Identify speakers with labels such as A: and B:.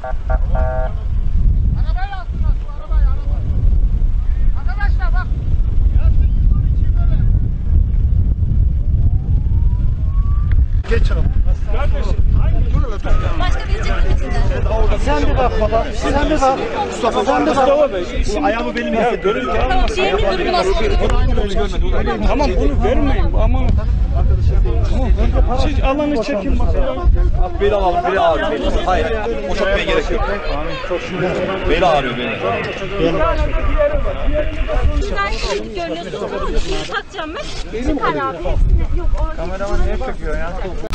A: Arabayla attılar şu arabayı araba. Arkadaşlar bak.
B: Geç abi. Kardeşim.
C: Başka bir ceketinden.
B: Sen bir bak baba. Sen bir bak. Mustafa sen bir bak. Bu ayağımı benim hissettim.
C: Tamam, diğerinin durumu nasıl oldu?
D: Tamam bunu vermeyin ama siz alanı çekin bakalım.
E: Beli alalım, beli ağrıyor. Hayır, o çok bey gerek yok. Beli ağrıyor beni.
C: Sizden şikayet görünüyorsunuz ama şimdi takacağım ben. Çıkar abi hepsini. Yok o.
D: Kameraman niye çekiyor ya?